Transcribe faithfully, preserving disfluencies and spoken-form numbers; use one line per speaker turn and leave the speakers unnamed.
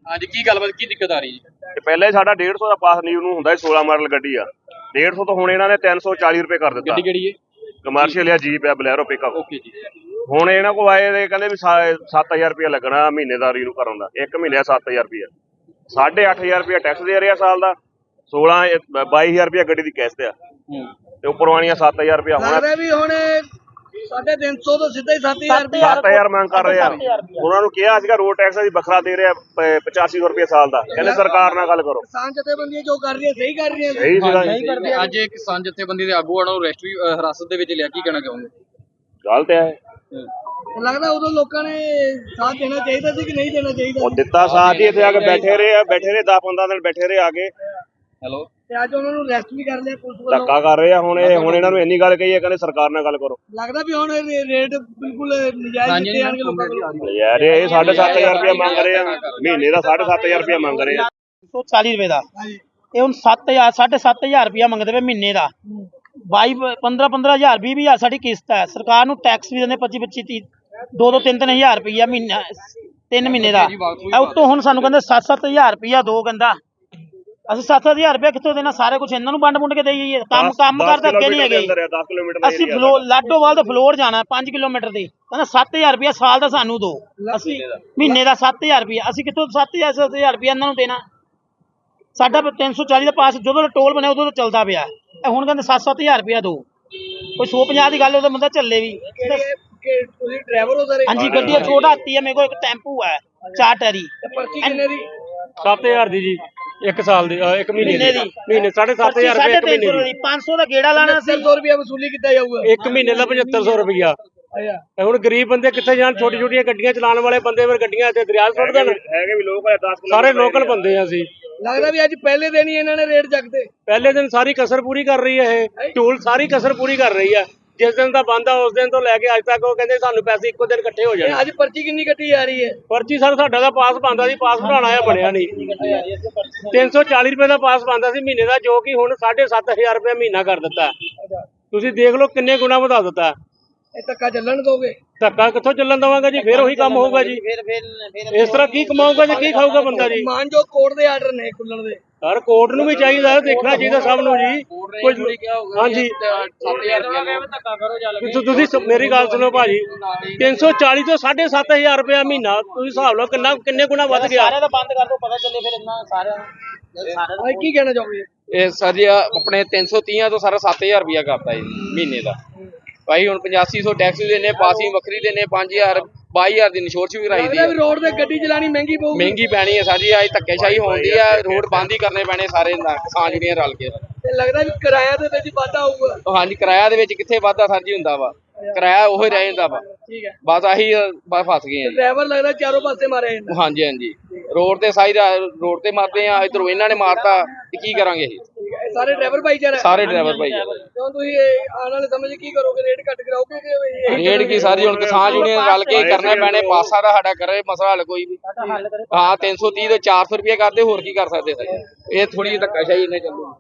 ਅੱਜ ਕੀ ਗੱਲਬਾਤ ਕੀ ਦਿੱਕਤ ਆ ਰਹੀ ਹੈ?
ਤੇ ਪਹਿਲੇ ਸਾਡਾ ਡੇਢ ਸੌ ਦਾ ਪਾਸ ਨੀਵ ਨੂੰ ਹੁੰਦਾ ਸੀ, ਸੋਲਾਂ ਮਾਡਲ ਗੱਡੀ ਆ, ਡੇਢ ਸੌ ਤੋਂ ਹੁਣ ਇਹਨਾਂ ਨੇ ਤਿੰਨ ਸੌ ਚਾਲੀ ਰੁਪਏ ਕਰ ਦਿੱਤਾ।
ਗੱਡੀ ਕਿਹੜੀ ਹੈ?
ਕਮਰਸ਼ੀਅਲ ਆ, ਜੀਪ ਆ, ਬਲੈਰੋ ਪਿਕਅਪ।
ਓਕੇ ਜੀ।
ਹੁਣ ਇਹਨਾਂ ਕੋਲ ਆਏ ਤੇ ਕਹਿੰਦੇ ਵੀ ਸੱਤ ਹਜ਼ਾਰ ਰੁਪਇਆ ਲੱਗਣਾ ਮਹੀਨੇਦਾਰੀ ਨੂੰ ਕਰਨ ਦਾ, ਇੱਕ ਮਹੀਨੇ ਸੱਤ ਹਜ਼ਾਰ ਰੁਪਇਆ, ਸਾਢੇ ਅੱਠ ਹਜ਼ਾਰ ਰੁਪਇਆ ਟੈਕਸ ਦੇ ਰਿਹਾ ਸਾਲ ਦਾ, ਸੋਲਾਂ ਬਾਈ ਹਜ਼ਾਰ ਰੁਪਇਆ ਗੱਡੀ ਦੀ ਕਿਸ਼ਤ ਆ, ਤੇ ਉੱਪਰੋਂ ਆਣੀਆਂ ਸੱਤ ਹਜ਼ਾਰ ਰੁਪਇਆ ਹੁਣ
ਵੀ ਹੁਣ ਸਾਢੇ ਤਿੰਨ ਸੌ ਤੋਂ ਸਿੱਧਾ ਹੀ ਸੱਤ ਹਜ਼ਾਰ
ਸੱਤ ਹਜ਼ਾਰ ਮੰਗ ਕਰ ਰਹੇ ਆ। ਉਹਨਾਂ ਨੂੰ ਕਿਹਾ ਸੀਗਾ ਰੋਡ ਟੈਕਸ ਅਸੀਂ ਵੱਖਰਾ ਦੇ ਰਿਹਾ ਪਚਾਸੀ ਸੌ ਰੁਪਏ ਸਾਲ ਦਾ, ਕਹਿੰਦੇ ਸਰਕਾਰ ਨਾਲ ਗੱਲ ਕਰੋ।
ਕਿਸਾਨ ਜਥੇਬੰਦੀਆਂ ਜੋ ਕਰ ਰਹੀਆਂ ਸਹੀ ਕਰ ਰਹੀਆਂ
ਸਹੀ ਸੀਗਾ।
ਅੱਜ ਕਿਸਾਨ ਜਥੇਬੰਦੀ ਦੇ ਆਗੂਆਂ ਨੂੰ ਰੈਸਟਰੀ ਹਿਰਾਸਤ ਦੇ ਵਿੱਚ ਲਿਆ, ਕੀ ਕਹਿਣਾ ਚਾਹੋਗੇ?
ਗੱਲ ਤੇ ਹੈ,
ਲੱਗਦਾ ਉਦੋਂ ਲੋਕਾਂ ਨੇ ਸਾਥ ਦੇਣਾ ਚਾਹੀਦਾ ਸੀ ਕਿ ਨਹੀਂ ਦੇਣਾ ਚਾਹੀਦਾ?
ਉਹ ਦਿੱਤਾ ਸਾਥ ਹੀ, ਇੱਥੇ ਆ ਕੇ ਬੈਠੇ ਰਹੇ ਆ, ਬੈਠੇ ਰਹੇ ਦਸ ਪੰਦਰਾਂ ਦਿਨ ਬੈਠੇ ਰਹੇ ਆ ਕੇ।
ਹੈਲੋ।
ਤੇ ਅੱਜ ਉਹਨਾਂ ਨੂੰ ਅਰੈਸਟ ਵੀ ਕਰ ਲਿਆ ਪੁਲਿਸ ਵੱਲੋਂ।
ਧੱਕਾ ਕਰ ਰਹੇ ਆ ਹੁਣ ਇਹ, ਹੁਣ ਇਹਨਾਂ ਨੂੰ ਇੰਨੀ ਗੱਲ ਕਹੀ ਹੈ ਕਹਿੰਦੇ ਸਰਕਾਰ ਨਾਲ ਗੱਲ ਕਰੋ।
ਲੱਗਦਾ ਵੀ ਹੁਣ ਰੇਟ ਬਿਲਕੁਲ ਨਜਾਇਜ਼ ਦਿੱਤੇ ਜਾਣਗੇ ਲੋਕਾਂ ਕੋਲ।
ਯਾਰ ਇਹ ਸਾਢੇ ਸੱਤ ਹਜ਼ਾਰ ਰੁਪਇਆ ਮੰਗ ਰਹੇ ਆ ਮਹੀਨੇ ਦਾ, ਸਾਢੇ ਸੱਤ ਹਜ਼ਾਰ ਰੁਪਇਆ ਮੰਗ ਰਹੇ ਆ।
ਸੌ ਚਾਲੀ ਰੁਪਏ ਦਾ ਇਹ ਹੁਣ ਸੱਤ ਹਜ਼ਾਰ ਸਾਢੇ ਸੱਤ ਹਜ਼ਾਰ ਰੁਪਇਆ ਮੰਗਦੇ ਪਏ ਮਹੀਨੇ ਦਾ। ਬਾਈ ਪੰਦਰਾਂ ਪੰਦਰਾਂ ਹਜ਼ਾਰ ਵੀਹ ਵੀਹ ਹਜ਼ਾਰ ਸਾਡੀ ਕਿਸ਼ਤ ਹੈ। ਸਰਕਾਰ ਨੂੰ ਟੈਕਸ ਵੀ ਦਿੰਦੇ ਪੱਚੀ ਪੱਚੀ ਤੀਹ ਦੋ ਦੋ ਤਿੰਨ ਤਿੰਨ ਹਜ਼ਾਰ ਰੁਪਇਆ ਮਹੀਨਾ, ਤਿੰਨ ਮਹੀਨੇ ਦਾ। ਉੱਤੋਂ ਹੁਣ ਸਾਨੂੰ ਕਹਿੰਦੇ ਸੱਤ ਸੱਤ ਹਜ਼ਾਰ ਰੁਪਇਆ ਦੋ, ਕਹਿੰਦਾ ਅਸੀਂ ਸੱਤ ਸੱਤ ਹਜ਼ਾਰ ਰੁਪਇਆ ਕਿੱਥੋਂ ਦੇਣਾ? ਸਾਰਾ ਕੁਝ ਇਹਨਾਂ ਨੂੰ ਵੰਡ ਵੁੰਡ ਕੇ ਦੇਈ ਜਾਈਏ। ਕੰਮ ਕੰਮ ਕਰਦੇ ਅੱਗੇ ਨਹੀਂ ਹੈਗੇ। ਅਸੀਂ ਫਲੋਰ ਲਾਡੋਵਾਲ ਤੋਂ ਫਲੋਰ ਜਾਣਾ ਪੰਜ ਕਿਲੋਮੀਟਰ ਦੀ, ਕਹਿੰਦਾ ਸੱਤ ਹਜ਼ਾਰ ਰੁਪਇਆ ਸਾਲ ਦਾ ਸਾਨੂੰ ਦੋ, ਅਸੀਂ ਮਹੀਨੇ ਦਾ ਸੱਤ ਹਜ਼ਾਰ ਰੁਪਇਆ, ਅਸੀਂ ਕਿੱਥੋਂ ਸੱਤ ਹਜ਼ਾਰ ਸੱਤ ਹਜ਼ਾਰ ਰੁਪਇਆ ਇਹਨਾਂ ਨੂੰ ਦੇਣਾ? ਸਾਡਾ ਤਿੰਨ ਸੌ ਚਾਲੀ ਦਾ ਪਾਸ ਜਦੋਂ ਟੋਲ ਬਣਿਆ ਉਦੋਂ ਤਾਂ ਚੱਲਦਾ ਪਿਆ, ਹੁਣ ਕਹਿੰਦੇ ਸੱਤ ਸੱਤ ਹਜ਼ਾਰ ਰੁਪਇਆ ਦੋ। ਕੋਈ ਸੌ ਪੰਜਾਹ ਦੀ ਗੱਲ ਉਹਦਾ ਬੰਦਾ ਚੱਲੇ ਵੀ।
ਤੁਸੀਂ ਡਰਾਈਵਰ ਹੋ ਸਾਰੇ?
ਹਾਂਜੀ, ਗੱਡੀ ਛੋਟਾ ਹਾਤੀ ਹੈ ਮੇਰੇ ਕੋਲ, ਇੱਕ ਟੈਂਪੂ ਹੈ ਚਾਰ ਟੈਰੀ।
ਪਰਚੀ ਕਿੰਨੇ ਦੀ?
ਸੱਤ ਹਜ਼ਾਰ ਦੀ ਜੀ, ਇੱਕ ਸਾਲ ਦੀ, ਇੱਕ ਮਹੀਨੇ ਦੀ। ਮਹੀਨੇ ਸਾਢੇ ਸੱਤ ਹਜ਼ਾਰ ਰੁਪਏ ਇੱਕ ਮਹੀਨੇ ਦੀ।
ਪੰਜ ਸੌ ਦਾ ਗੇੜਾ ਲਾਣਾ ਸੀ,
ਸੌ ਰੁਪਇਆ ਵਸੂਲੀ ਕੀਤਾ ਜਾਊਗਾ
ਇੱਕ ਮਹੀਨੇ ਦਾ ਪਝੱਤਰ ਸੌ ਰੁਪਇਆ। ਹੁਣ ਗਰੀਬ ਬੰਦੇ ਕਿੱਥੇ ਜਾਣ? ਛੋਟੀ ਛੋਟੀਆਂ ਗੱਡੀਆਂ ਚਲਾਉਣ ਵਾਲੇ ਬੰਦੇ ਫਿਰ ਗੱਡੀਆਂ ਇੱਥੇ ਦਰਿਆ ਸੁੱਟ ਦੇਣ।
ਹੈਗੇ ਵੀ ਲੋਕ
ਸਾਰੇ ਲੋਕਲ ਬੰਦੇ ਆ ਅਸੀਂ।
ਲੱਗਦਾ ਵੀ ਅੱਜ ਪਹਿਲੇ ਦਿਨ ਹੀ ਇਹਨਾਂ ਨੇ ਰੇਟ ਚੱਕਦੇ।
ਪਹਿਲੇ ਦਿਨ ਸਾਰੀ ਕਸਰ ਪੂਰੀ ਕਰ ਰਹੀ ਹੈ ਇਹ ਟੂਲ, ਸਾਰੀ ਕਸਰ ਪੂਰੀ ਕਰ ਰਹੀ ਹੈ। ਜਿਸ ਦਿਨ ਦਾ ਬੰਦ ਆ ਉਸ ਦਿਨ ਤੋਂ ਲੈ ਕੇ ਅੱਜ ਤੱਕ ਉਹ ਕਹਿੰਦੇ ਸਾਨੂੰ ਪੈਸੇ ਇੱਕੋ ਦਿਨ ਇਕੱਠੇ ਹੋ ਜਾਣੇ।
ਅੱਜ ਪਰਚੀ ਕਿੰਨੀ ਕੱਟੀ ਜਾ ਰਹੀ ਹੈ?
ਪਰਚੀ ਸਰ ਸਾਡਾ ਦਾ ਪਾਸ ਬਣਦਾ ਸੀ, ਪਾਸ ਬਣਾਉਣਾ ਆ ਬਣਿਆ ਨਹੀਂ। ਤਿੰਨ ਸੌ ਚਾਲੀ ਰੁਪਏ ਦਾ ਪਾਸ ਬਣਦਾ ਸੀ ਮਹੀਨੇ ਦਾ, ਜੋ ਕਿ ਹੁਣ ਸਾਢੇ ਸੱਤ ਹਜ਼ਾਰ ਰੁਪਏ ਮਹੀਨਾ ਕਰ ਦਿੱਤਾ। ਤੁਸੀਂ ਦੇਖ ਲਓ ਕਿੰਨੇ ਗੁਣਾ ਵਧਾ ਦਿੱਤਾ।
ਇਹ ਧੱਕਾ ਚੱਲਣ ਦੋਗੇ?
ਧੱਕਾ ਕਿੱਥੋਂ ਚੱਲਣ ਦਵਾਂਗਾ ਜੀ? ਫਿਰ ਉਹੀ ਕੰਮ ਹੋਊਗਾ ਜੀ। ਇਸ ਤਰ੍ਹਾਂ ਕੀ ਕਮਾਊਗਾ ਜੀ, ਕੀ ਖਾਊਗਾ ਬੰਦਾ ਜੀ?
ਮਾਨ ਜੋ ਕੋਰਟ ਦੇ ਆਰਡਰ ਨੇ ਖੁੱਲਣ ਦੇ,
ਸਰ ਕੋਰਟ ਨੂੰ ਵੀ ਚਾਹੀਦਾ, ਦੇਖਣਾ ਚਾਹੀਦਾ ਸਭ ਨੂੰ ਜੀ। ਹਾਂਜੀ ਤੁਸੀਂ ਮੇਰੀ ਗੱਲ ਸੁਣੋ ਭਾਜੀ, ਤਿੰਨ ਸੌ ਚਾਲੀ ਤੋਂ ਸਾਢੇ ਸੱਤ ਹਜ਼ਾਰ ਰੁਪਇਆ ਮਹੀਨਾ, ਤੁਸੀਂ ਹਿਸਾਬ ਲਓ ਕਿੰਨਾ ਕਿੰਨੇ ਗੁਣਾ ਵੱਧ ਗਿਆ।
ਸਾਰਿਆਂ ਦਾ ਬੰਦ ਕਰ ਦੋ, ਪਤਾ ਚੱਲੇ ਫਿਰ ਇੰਨਾ ਸਾਰਿਆਂ ਨੂੰ।
ਕੀ ਕਹਿਣਾ ਚਾਹੋਗੇ?
ਇਹ ਸਰ ਜੀ ਆਪਣੇ ਤਿੰਨ ਸੌ ਤੀਹ ਤੋਂ ਸਾਰਾ ਸੱਤ ਹਜ਼ਾਰ ਰੁਪਇਆ ਕਰਤਾ ਜੀ ਮਹੀਨੇ ਦਾ। ਭਾਈ ਹੁਣ ਪਚਾਸੀ ਸੌ ਟੈਕਸ ਵੀ ਦੇਣੇ, ਪਾਸਿੰਗ ਵੱਖਰੀ ਦੇਣੇ, ਪੰਜ ਹਜ਼ਾਰ ਬਾਈ ਹਜ਼ਾਰ ਦੀ ਇੰਸ਼ੋਰੈਂਸ ਵੀ ਕਰਾਈ ਦੀ ਹੈ।
ਰੋਡ ਤੇ ਗੱਡੀ ਚਲਾਣੀ ਮਹਿੰਗੀ ਪਊਗੀ।
ਮਹਿੰਗੀ ਪੈਣੀ ਹੈ ਸਾਡੀ, ਅੱਜ ਧੱਕੇਸ਼ਾਹੀ ਹੋਣੀ ਆ, ਰੋਡ ਬੰਦ ਹੀ ਕਰਨੇ ਪੈਣੇ ਸਾਰੇ ਕਿਸਾਨ ਜਿਹੜੀਆਂ ਰਲ ਕੇ।
ਤੇ ਲੱਗਦਾ ਵੀ ਕਿਰਾਇਆ ਦੇ ਵਿੱਚ ਵਾਧਾ ਹੋਊਗਾ।
ਹਾਂਜੀ, ਕਿਰਾਇਆ ਦੇ ਵਿੱਚ ਕਿੱਥੇ ਵਾਧਾ ਸਰ ਜੀ ਹੁੰਦਾ ਵਾ, ਕਿਰਾਇਆ ਉਹੀ ਰਹਿ ਜਾਂਦਾ ਵਾ।
ਠੀਕ ਹੈ,
ਬਸ ਆਹੀ ਬਸ ਫਸ ਗਏ ਆ ਜੀ।
ਡਰਾਈਵਰ ਲੱਗਦਾ ਚਾਰੋਂ ਪਾਸੇ ਮਾਰਿਆ ਜਾਂਦਾ।
ਹਾਂਜੀ ਹਾਂਜੀ, ਰੋਡ ਤੇ ਸਾਈ ਰੋਡ ਤੇ ਮਾਰਦੇ ਆ, ਇਧਰੋਂ ਇਹਨਾਂ ਨੇ ਮਾਰਤਾ, ਤੇ ਕੀ ਕਰਾਂਗੇ ਅਸੀਂ?
ਸਾਰੇ ਡਰਾਈਵਰ ਭਾਈਚਾਰਾ,
ਸਾਰੇ ਡਰਾਈਵਰ ਭਾਈ।
ਕਿਉਂ ਤੁਸੀਂ ਆਉਣ ਵਾਲੇ ਸਮੇਂ 'ਚ ਕੀ ਕਰੋਗੇ? ਰੇਟ ਘੱਟ ਕਰਾਓਗੇ ਕਿ
ਰੇਟ ਕੀ ਸਾਰੀ ਹੁਣ ਕਿਸਾਨ ਯੂਨੀਅਨ ਰਲ ਕੇ ਕਰਨਾ ਪੈਣੇ, ਪਾਸਾ ਦਾ ਸਾਡਾ ਕਰੇ ਮਸਲਾ ਹੱਲ ਕੋਈ ਵੀ। ਹਾਂ, ਤਿੰਨ ਸੌ ਤੀਹ ਤੋਂ ਚਾਰ ਸੌ ਰੁਪਏ ਕਰਦੇ, ਹੋਰ ਕੀ ਕਰ ਸਕਦੇ ਸਰ? ਇਹ ਥੋੜੀ ਜਿਹੀ ਧੱਕਾਸ਼ਾਹੀ ਇਹਨੇ ਚੱਲੂ।